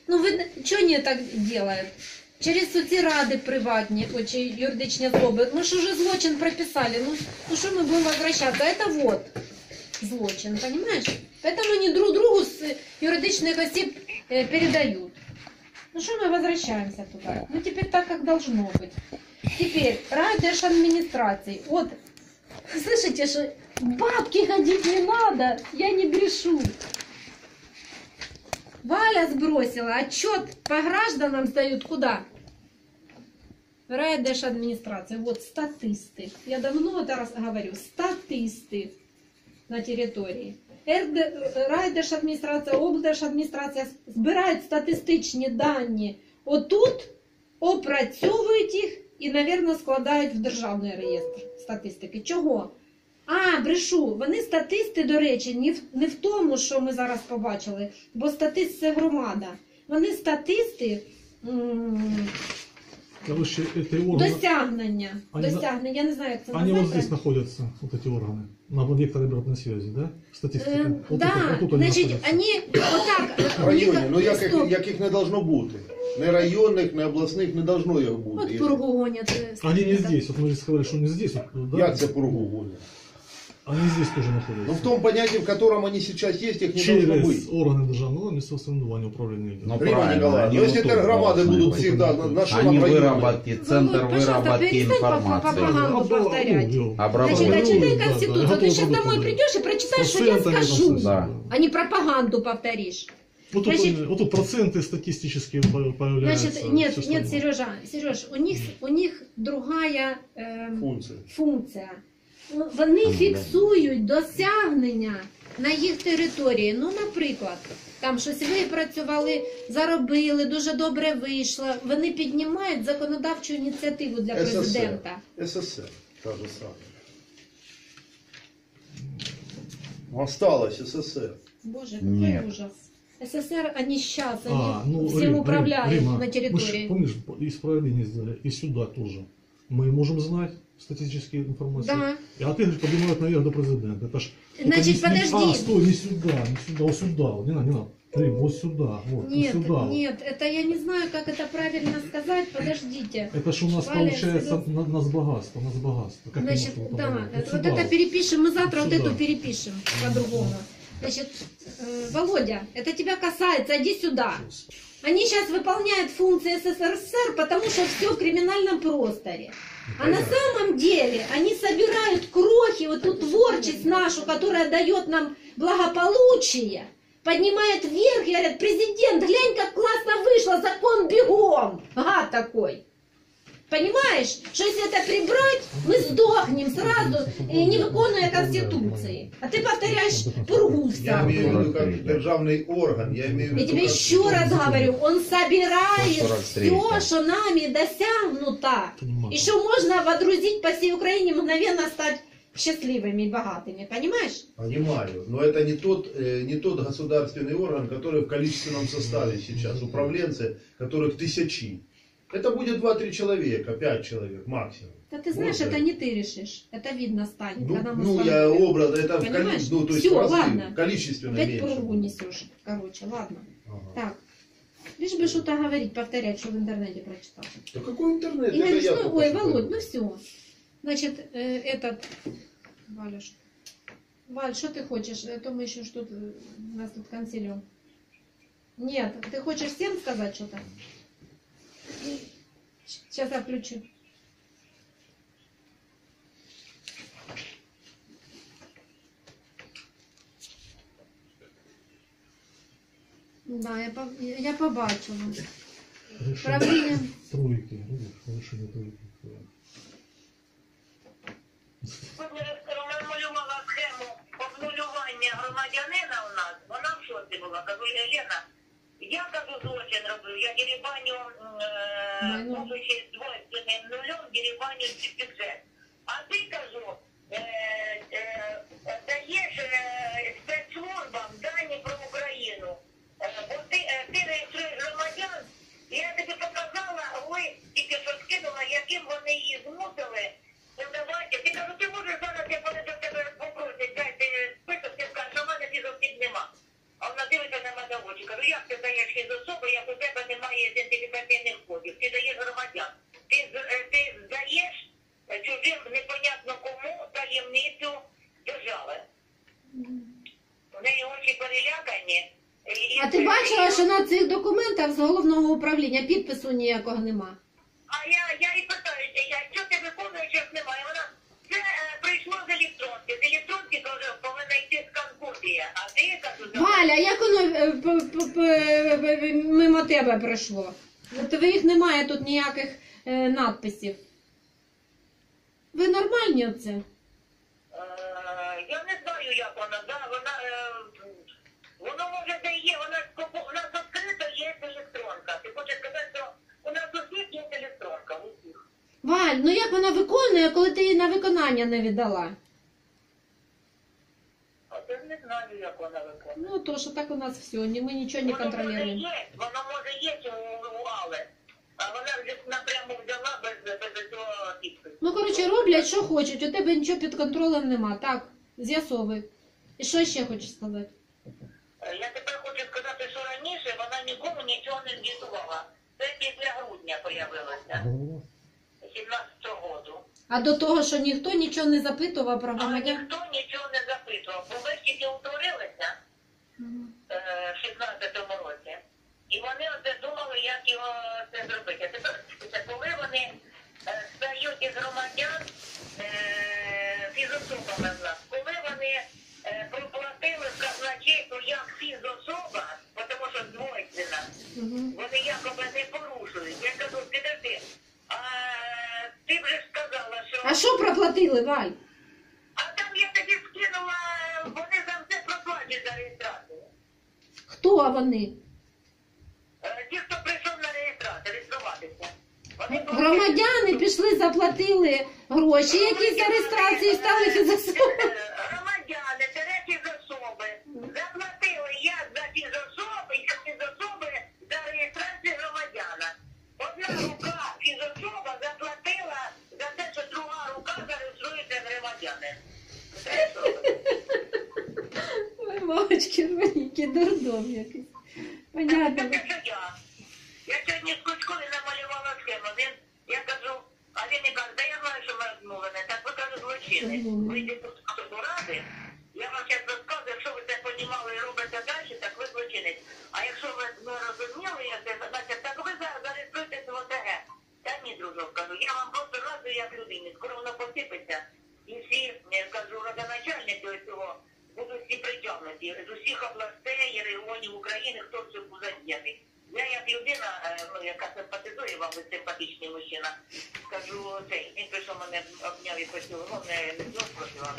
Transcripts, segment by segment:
Ну ви чого не так делают? Через соцради приватні, чи юридичні особи. Мы же уже злочин прописали. Ну что мы будем возвращаться? Это вот злочин, понимаешь? Поэтому они друг другу с юридичных осіб передают. Ну что мы возвращаемся туда? Ну теперь так, как должно быть. Теперь райдержадминистрации. Вот, слышите, что бабки ходить не надо, я не грешу. Валя сбросила отчет по гражданам сдают куда? В райдержадминистрации. Вот статисты. Я давно это раз говорю. Статисты на территории. Райдержадміністрація, облдержадміністрація збирають статистичні дані отут, опрацьовують їх і, мабуть, складають в державний реєстр статистики. Чого? Брешу, вони статисти, до речі, не в тому, що ми зараз побачили, бо статист – це громада. Вони статисти Короче, эти органы... досягнення, я не знаю, як це Они назвати. вот здесь находятся, вот эти органы, на векторе обратной связи, да? Статистика. Да, значить, вони отак... В районі, ну як їх не должно бути. Не районних, не обласних не должно їх бути. От пургу гонять. Они не здесь, вот мы же сказали, что не здесь. Вот, да? Як це пургу гонять? Они здесь тоже находятся. Ну в том понятии, в котором они сейчас есть, их не должно быть. Через органы державного места самоуправления управления. Рима Николаевна, ну если громады будут всегда на что Они нам выработки, центр выработки информации. Пропаганду повторять. Значит, а читай Конституцию. Вот ты сейчас домой придешь и прочитаешь, что я скажу, Да. а не пропаганду повторишь. Вот тут проценты статистические появляются. Значит, нет, Сереж, у них другая функція. Вони фіксують досягнення на їх території. Ну, наприклад, там щось випрацювали, заробили, дуже добре вийшло. Вони піднімають законодавчу ініціативу для президента. СССР, та же самая. Осталось СССР. Боже, какой ужас. СССР, они сейчас, они всем Рим, управляют Рима, на территории. Мы, помнишь, исправление сделали, и сюда тоже. Мы можем знать статистические информации. Да. А ты говоришь, поднимают наверх до президента. Это ж, Значит, подожди. Стой, не сюда, вот сюда. Вот, не надо. Рим, вот сюда, вот, Нет, сюда. нет, это я не знаю, как это правильно сказать, подождите. Это ж у нас Валя, получается нас богатство, Как Значит, мы можем да, вот вот сюда это перепишем, мы завтра вот сюда. эту перепишем по-другому. Значит, Володя, это тебя касается, иди сюда. Они сейчас выполняют функции СССР, потому что все в криминальном просторе. А на самом деле они собирают крохи, вот эту творчесть нашу, которая дает нам благополучие, поднимает вверх и говорят: президент, глянь, как классно вышло, закон бегом. Гад такой. Понимаешь, что если это прибрать, мы сдохнем сразу, не виконуя Конституции. А ты повторяешь пургу Я имею в всякую. виду как державный орган. Я имею в Я виду тебе как еще раз говорю, он собирает 143. все, что нами досягнуто. Понимаю. И что можно водрузить по всей Украине, мгновенно стать счастливыми и богатыми, понимаешь? Понимаю, но это не тот государственный орган, который в количественном составе сейчас. Управленцы, которых тысячи. Это будет 2-3 человека, 5 человек максимум. Да ты знаешь, Вот, это да. не ты решишь. Это видно станет, когда мы с Ну, вами- я образ, это в Понимаешь? количестве, ну, то есть Всё, в разы, ладно. количественно Опять меньше. пургу несешь. Короче, ладно. Ага. Так. Лишь бы что-то говорить, повторять, что в интернете прочитал. Да какой интернет? И Это говоришь, я ну, только ой, что Володь, говорю. ну все. Значит, этот... Валя, Валь, что ты хочешь? Это мы еще что-то... У нас тут консилиум. Нет, ты хочешь всем сказать что-то? Сейчас я включу. Да, я побачила. Правління. Тройки, решение тройки. Намалювала схему обнулювання громадянина у нас, вона в шоці була. Кажу: Лена, я кажу, злочин робив, я дерибаню, будучи двойственним нулем, дерибаню бюджет. А ти, кажу, даєш спецслужбам дані про Україну. Бо ти реєструєш громадян, і я тобі показала, ви тільки що скинула, яким вони її змусили. Ну давайте, ти кажу, ти можеш зараз, як вони до тебе попросять, дайте список, ти скажеш, що в мене фізосіб нема. А вона дивиться на мене в очі. Кажу, як ти даєш фізособи, як у тебе немає ідентифікаційних кодів. Ти даєш громадян. Ти здаєш чужим непонятно кому таємницю держави. В неї очі перелякані. А ти бачила, що на цих документах з головного управління підпису ніякого нема? А я і питаю, що ти виконуєш, як немає? Вона, це прийшло з електронки. З електронки повинна йти скан-копія. А ти, кажу, Валя, як воно мимо тебе пройшло? У твоїх немає тут ніяких надписів. Ви нормальні оце? Я не знаю, як вона, да, воно може де є, у нас відкрито є електронка. Ти хочеш сказати, що у нас у всіх є електронка, у всіх. Валь, ну як вона виконує, коли ти її на виконання не віддала? А я не знаю, як вона виконує. Ну, то, що так у нас все, ми нічого не контролюємо. Воно може є у Але, а вона вже напряму взяла без цього підпису. Ну, коротше, роблять, що хочуть, у тебе нічого під контролем нема, так? З'ясовуй. І що ще хочеш сказати? Я тепер хочу сказати, що раніше вона нікому нічого не звітувала. Це після грудня появилося, 17-го року. А до того, що ніхто нічого не запитував про Але громадян? ніхто нічого не запитував, бо ми тільки утворилися в 16-му році. І вони оце думали, як його це зробити. А тепер, коли вони стають із громадян фізособами в нас, коли вони проплатили в казначейство як фізособа, тому що двойственна, вони якоби не порушують. Я кажу, підожди, а ти вже ж сказала, що... А що проплатили, Валь? А там я тобі скинула, вони за все проплатять за реєстрацію. Хто вони? Ті, хто прийшов на реєструватися. Громадяни пішли, заплатили гроші, які за реєстрацію стали фізособами. Громадяни, фізособи, заплатили як за фізособи за реєстрацію громадяна. Одна рука фізособа заплатила за те, що друга рука зареєструється громадяни. Ой, мамочки, маленький дурдом якийсь. Понятно. Це що я. Я сьогодні з Кучкові намалювала схему. Я кажу, а він не каже, да я знаю, що ми розмовлене. Так ви, кажу, злочини. Ви йдете до ради, я вам зараз розказую, якщо ви це понімали і робите далі, так ви злочинець. А якщо ви не розуміли, значить, так ви зареєструєтесь в ОТГ. Та ні, дружок, кажу, я вам просто радую як людині. Скоро воно посипеться. І всі, я кажу, родоначальники цього будуть всі притягнуті. З усіх областей і регіонів України, хто в цьому задіяний. Я як людина, яка симпатизує вам, ви симпатичний мужчина, скажу, він прийшов мене, обняв і поцілував, не спросила,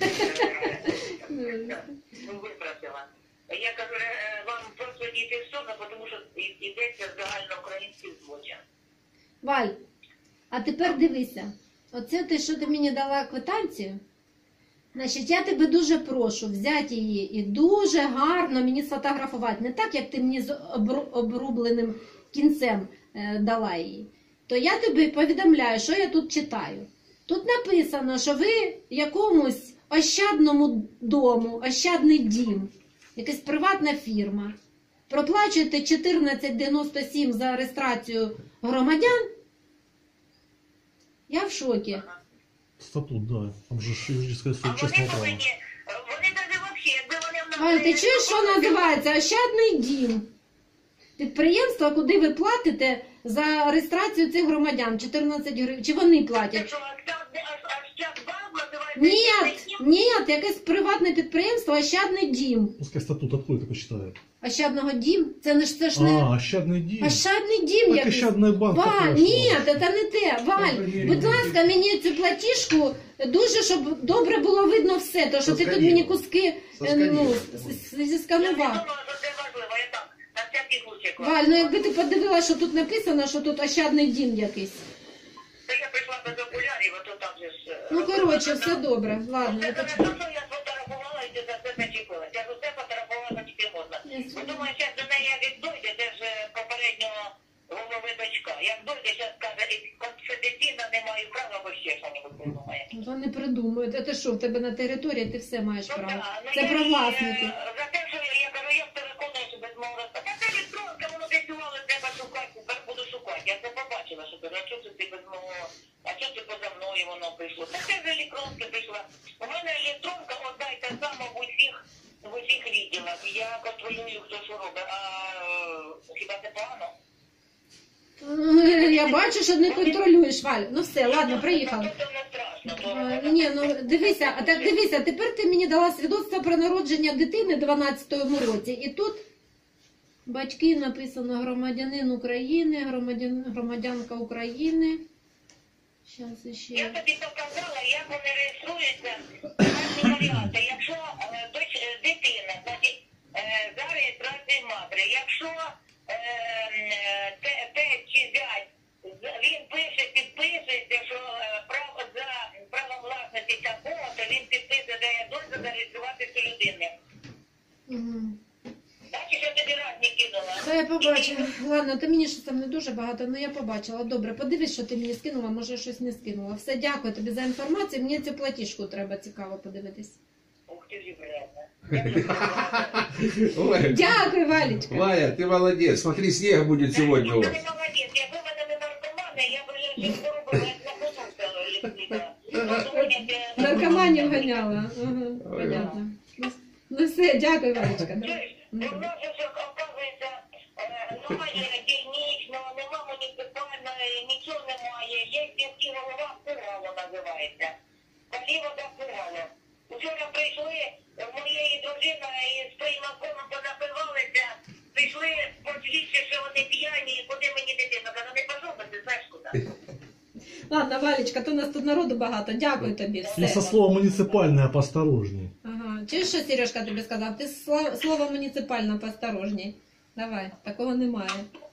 випросила. Я кажу, вам просто дійти в суд, тому що йдеться загальноукраїнський злочин. Валь, а тепер дивися. Оце те, що ти мені дала квитанцію, значить, я тебе дуже прошу взяти її і дуже гарно мені сфотографувати. Не так, як ти мені з обрубленим кінцем дала її. То я тобі повідомляю, що я тут читаю. Тут написано, що ви якомусь ощадному дому, ощадний дім, якась приватна фірма, проплачуєте 14,97 за реєстрацію громадян. Я в шокі. Статут, да. Там же юридическое А вони честное право. повинні, вони навіть взагалі, якби вони в нас... Валь, ти чуєш, що називається Ощадний дім? Підприємство, куди ви платите за реєстрацію цих громадян, 14 гривень. Чи вони Це платять? що, Ощадбанк називається? Ні, якесь приватне підприємство Ощадний дім. Пускай статут откуда такой читает. Ощадного дім? Це не ж це ж не... Ощадный дім. Ощадний дім Так якийсь. Ощадний банк Валь, також, ні, що? це не те. Валь, будь ласка, мені цю платіжку дуже, щоб добре було видно все. То, що ти тут мені куски зісканував. Я думала, що це важливо, я так, на всякий случай. Валь, ну якби ти подивилася, що тут написано, що тут Ощадний дім якийсь. Та я прийшла без окулярів, а то там же ж... Ну, коротше, все добре. Ладно, Це я хорошо, почну. що я сфотографувала і ти за це зачепилась. Я ж усе фотографувала, тільки можна. Ясно. Бо думаю, зараз до неї як дойде, де ж попереднього голови дочка. Як дойде, зараз каже, і конфіденційно не маю права, бо ще що-небудь придумає. Та не придумають. А ти що, в тебе на території ти все маєш право. Це я про їй, власників. За те, що я кажу, я переконую, що без мого розпа. Та це електронка, воно десь у сказали, треба шукати, тепер буду шукати. Я це побачила, що кажу, а чого це ти без мого, а чого це поза мною воно прийшло? Таке ж електронка прийшла. У мене електронка одна й та сама в усіх відділах. Я контролюю, хто що робить, а хіба це погано? Я бачу, що не контролюєш, Валь. Ну все, ладно, приїхали. Це не страшно. Ні, ну дивися, а так дивися, тепер ти мені дала свідоцтво про народження дитини в 12-му році. І тут батьки написано громадянин України, громадянка України. Щас Я іще. тобі показала, як вони реєструються, ваші варіанти. Якщо дитина, значить, за реєстрацією матері, якщо тесть чи зять, він пише, підписується, що за правом власності такого, то він підписує, дає дозвіл зареєструвати цю людину. Угу. Бачиш, я тобі раз не кинула. Та я побачила. Ладно, ти мені щось там не дуже багато, але я побачила. Добре, подивись, що ти мені скинула, може щось не скинула. Все, дякую тобі за інформацію. Мені цю платіжку треба цікаво подивитись. Ух ти ж, вредна. Ой, Дякую, Валечка. Валя, ты молодец. Смотри, снег будет сегодня у Ти вас. не молодець, якби в мене не наркомани, я б їх поробила, як на позорця. Наркоманів ганяла. Ага, понятно. Ну все, дякую, Валечка. Да. У нас же, оказується, немає дільничного, нема муніципальної, нічого немає. Є сільський голова, Пугало називається. Полівода Пугало. Вчора прийшли, моєї дружина із приймаком понапивалися, прийшли посвідчити, що вони п'яні, і куди мені дитина. Кажу, не пішов, бо ти знаєш куди. Ладно, Валечка, то у нас тут народу багато. Дякую тобі. И Все. со словом муниципальное поосторожней. Ага. Чуєш, що Сережка тобі сказав? Ти слово муніципально поосторожній. Давай, такого немає.